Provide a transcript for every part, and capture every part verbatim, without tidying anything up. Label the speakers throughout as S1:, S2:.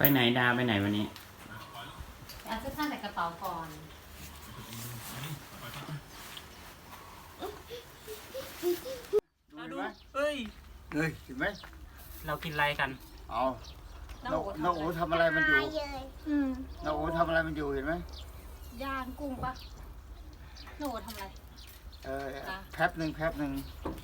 S1: ไปไหนดาไปไหนวันนี้
S2: เอาเสื้อผ้าใส่กระเป๋าก่อน
S1: เราดูเฮ้ยเฮ้ยเห็นไหมเรากินอะไรกันเอาน้องน้องโอ๋ทำอะไรมันอยู่น้องโอ๋ทำอะไรมันอยู่เห็นไหม
S2: ย่างกุ้งปะน้องโอ๋ทำอะไร
S1: เออแป๊บหนึ่งแป๊บหนึ่ง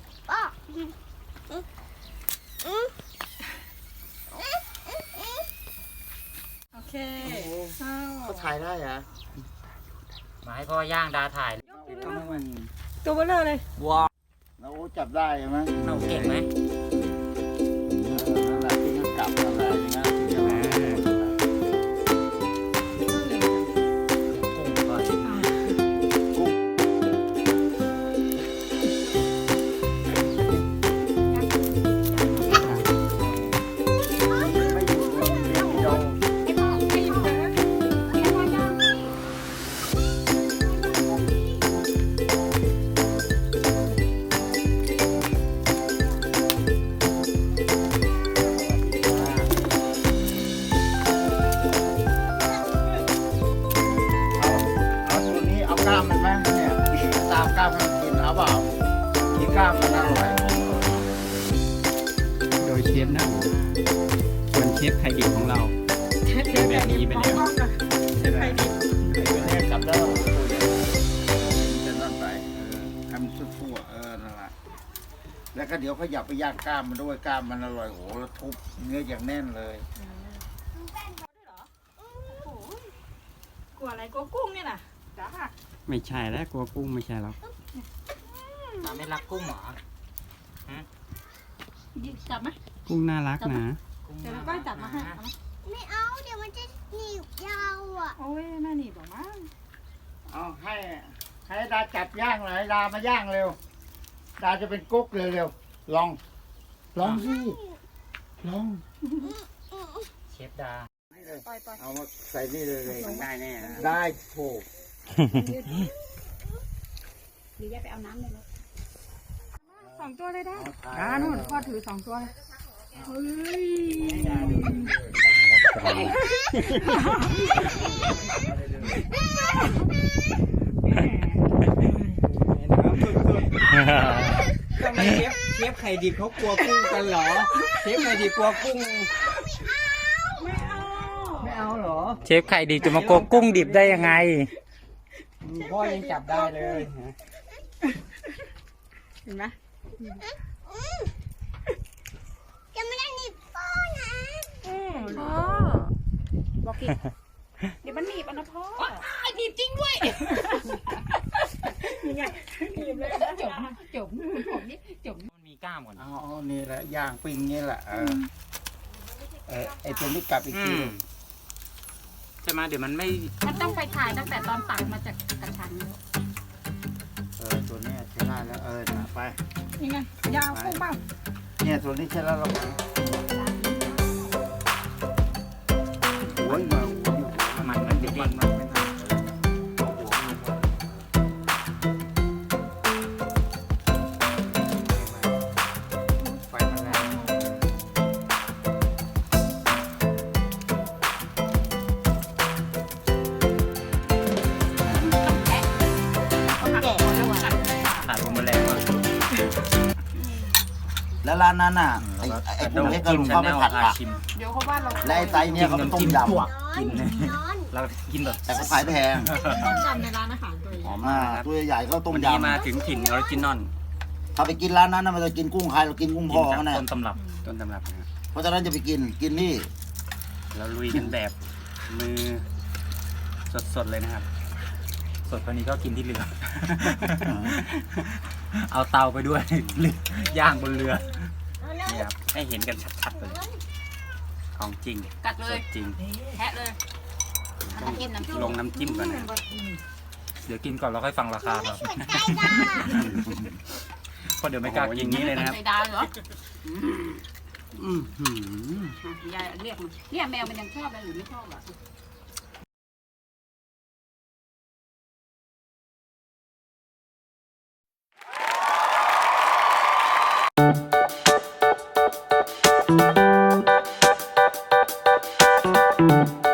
S2: โอเค
S1: เขาถ่ายได้เหรอ
S3: มาให้พ่อย่างดาถ่าย
S2: ตัวเบลอเลย
S1: ว้าวน้องโอ๋จับได้ไหม
S3: เราเก่งไหม
S1: นั่นแหละที่เขากลับนั่นแหละอย่างนั้นใช่ไหมกล้ามมันไหมเนี่ยตามกล้ามมันกินเอาเปล่ากินกล้ามมันอร่อย
S4: โดยเชฟนะส่วนเชฟไข่ดิบของเราเป็นแบบนี้ไปแล้ว
S2: เชฟไข่ดิบ
S1: ไอ้ตัวนี้กลับแล้วจะนั่นไปทำสู้ๆเออนั่นแหละแล้วก็เดี๋ยวเขาอยากไปย่างกล้ามมันด้วยกล้ามมันอร่อยโหแล้วทุบเนื้ออย่างแน่นเลย
S2: กลัวอะไรกลัวกุ้งเนี่ยนะจ้า
S4: ไม่ใช่แล้วกลัวกุ้งไม่ใช่แล้ว
S3: ตาไม่รักกุ้งเหรอ
S2: จับไหม
S4: กุ้งน่ารักนะ
S2: เดี๋ยวเราก็จับมาให้
S5: ไม่เอาเดี๋ยวมันจะหนีบยาวอ่ะ
S2: โอ้ยแม่หนีบหรอมั้ง
S1: เอาให้ให้ดาจับย่างหน่อยดามาย่างเร็วดาจะเป็นกุ๊กเร็วๆลองลองสิลอง
S3: เชฟดา
S1: เอามาใส่นี่เลยเลย
S3: ได้แน่
S1: ได้โถ
S2: หรือแยกไปเอาน้ำเลยสองตัวเลยได้อ่านู่นพ่อถือสองตัวเลยเฮ้ย
S4: ทำไมเชฟเชฟไข่ดิบเขากลัวกุ้งกันเหรอเชฟไข่ดิบกลัวกุ้ง
S2: ไม่เอา
S4: ไม่เอาเหรอ
S3: เชฟไข่ดิบจะมากลัวกุ้งดิบได้ยังไง
S4: พ่อยังจับได้เลย
S2: เห็นไหม
S5: จะไม่ได้หนีบพ่อนะ
S2: พ่อบอกกินเดี๋ยวมันหนีบอันนะพ่อหนีบจริงด้วยนี่ไงหนีบเลยจบจบผมนี่จบ
S3: มันมีกล้ามก่อน
S1: อ๋อนี่แหละย่างปิ้งนี่แหละเออเออไอตัวนี้กลับอีกที
S3: ใช่ไหมเดี๋ยวมันไม่
S2: มันต้องไปถ่ายตั้งแต่ตอนตักมาจากกระชัง
S1: เออตัวนี้ใช้ได้แล้วเออหนาไป
S2: ยังไงยาวกุ้งเปล่า
S1: เนี่ยตัวนี้ใช้แล้วเราหัวมาหัว
S3: มันมันเด็กมัน
S1: แล้วร้านนั้นน่ะไอ้ไอ้กุ้งเล็กก็ลุงเขาไปผัดผัก
S2: เดี๋ยวเขาว่าเรา
S1: และไอ้ไซเนี่ยเขาต้มยำ
S3: กินเรากินแบบ
S1: แต่เขาขายแพง
S2: ต้มยำในร้านอาหารตัวใหญ่
S1: หอมมากตัวใหญ่ก็ต้มยำ
S3: มาถึงถิ่นออริจินอล
S1: ถ้าไปกินร้านนั้นนะมันจะกินกุ้งใครเรากินกุ้งพ่อเขาเนี่ย
S3: ต้นตำรับต้นตำรับ
S1: เพราะฉะนั้นจะไปกินกินนี่
S3: เราลุยกันแบบมือสดๆเลยนะครับสดกว่านี้ก็กินที่เรือเอาเตาไปด้วยย่างบนเรือนี่ครับให้เห็นกันชัดๆเลยของจริง
S2: กัดเลย
S3: จริง
S2: แทะเลย
S3: ลงน้ำจิ้มก่อนนะเดี๋ยวกินก่อนเราค่อยฟังราคาครับเพราะเดี๋ยวไม่กล้ากินนี้เลยนะครับ
S2: ใส่ดาเหรออืมยายเรียกมันเรียกแมวมันยังชอบเลยหรือไม่ชอบอ่ะ
S5: อ